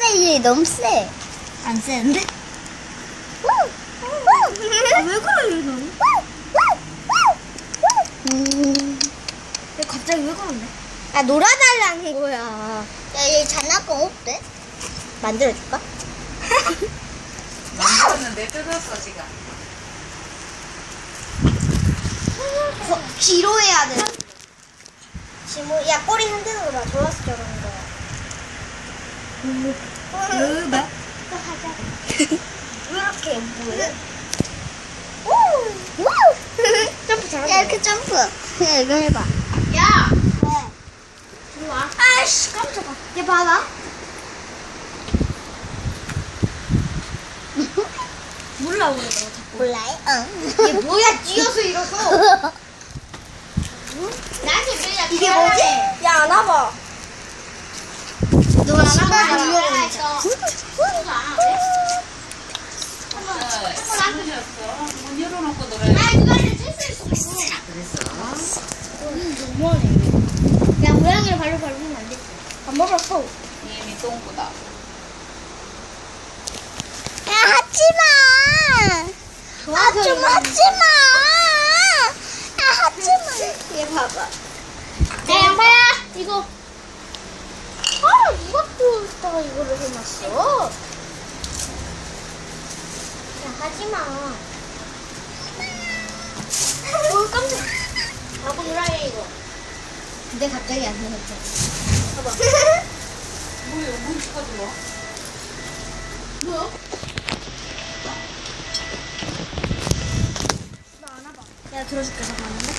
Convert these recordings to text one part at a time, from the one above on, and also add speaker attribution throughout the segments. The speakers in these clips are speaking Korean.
Speaker 1: 얘 너무 세. 안 세는데?
Speaker 2: 아, 왜 그래 얘는? 갑자기 왜 그러는데?
Speaker 1: 아, 놀아달라는 거야.
Speaker 3: 야, 얘 장난감 없대?
Speaker 1: 만들어줄까?
Speaker 4: 만들었는데 뜯었어 지금.
Speaker 1: 뒤로 해야 돼. 지금, 야, 꼬리 흔드는 거 봐. 좋았어, 저러는 거야.
Speaker 2: 왜?
Speaker 1: 또 하자. 왜 이렇게 뭐해? 점프 잘한다.
Speaker 3: 야, 이렇게 점프. 야, 이거 해봐.
Speaker 1: 야!
Speaker 2: 이리 와.
Speaker 1: 아이씨, 깜짝아. 얘 봐라.
Speaker 2: 몰라 그러더라고 자꾸.
Speaker 3: 몰라요? 응.
Speaker 1: 얘 뭐야, 뛰어서 일어서.
Speaker 3: 나한테 밀려.
Speaker 1: 이게 뭐지? 야, 안 와봐.
Speaker 3: 누가
Speaker 1: 시간이
Speaker 3: 나가면
Speaker 1: 밀려오니까.
Speaker 4: 안 드셨어? 문 열어놓고 놀아야
Speaker 3: 아, 그거를 쓸수 있어.
Speaker 4: 그랬어.
Speaker 1: 너무하네. 야, 고양이를 발로 밟으면 안 돼. 안 먹었어.
Speaker 4: 이미 똥보다.
Speaker 3: 야, 하지마. 아, 좀 하지마. 아, 하지마.
Speaker 1: 얘 봐봐.
Speaker 3: 야, 양파야.
Speaker 1: 이거. 아, 누가 또 이따가 이거를 해놨어? 야, 하지마. 깜짝. 바보 놀아야 이거. 근데 갑자기 안 해놨잖아. 봐봐.
Speaker 4: 뭐야? 물 쳐들어?
Speaker 1: 뭐야? 나안 와봐.
Speaker 2: 내가 들어줄게 잠깐만요.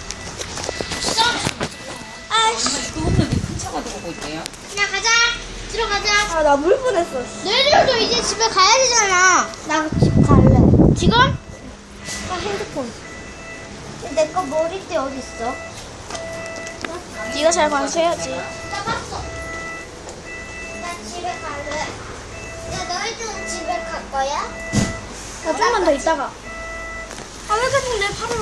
Speaker 4: 엄마 이거 없는데 큰 차가 들어오고 있대요.
Speaker 3: 그냥 가자. 들어가자.
Speaker 1: 아, 나 물 뻔했어.
Speaker 3: 너희들도 이제 집에 가야 되잖아.
Speaker 1: 나 집 갈래.
Speaker 3: 지금?
Speaker 1: 아, 핸드폰. 내 거 머리띠 어디 있어?
Speaker 2: 네가 잘 관수해야지.
Speaker 3: 나 봤어. 나 집에 갈래. 야, 너희들은 집에 갈 거야?
Speaker 2: 야 좀만 더 있다가. 아 왜 계속 내 팔을?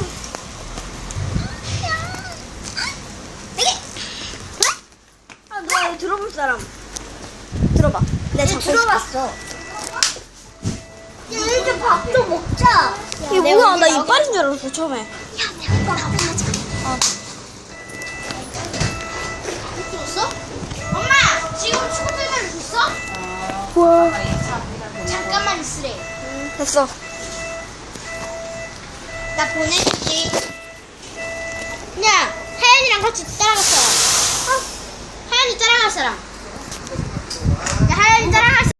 Speaker 2: 아 너 이거 들어볼 사람. 들어봐. 내가 잡고
Speaker 1: 들어봤어.
Speaker 3: 야, 이제 밥도 먹자.
Speaker 2: 이게 뭐야? 나 이빨인 줄 알았어 처음에.
Speaker 3: 줬어? 엄마, 지금 초대를 줬어?
Speaker 2: 우와.
Speaker 3: 잠깐만 있으래.
Speaker 2: 됐어.
Speaker 3: 나 보내줄게. 야, 하연이랑 같이 따라갈 사람. 하연이 따라갈 사람.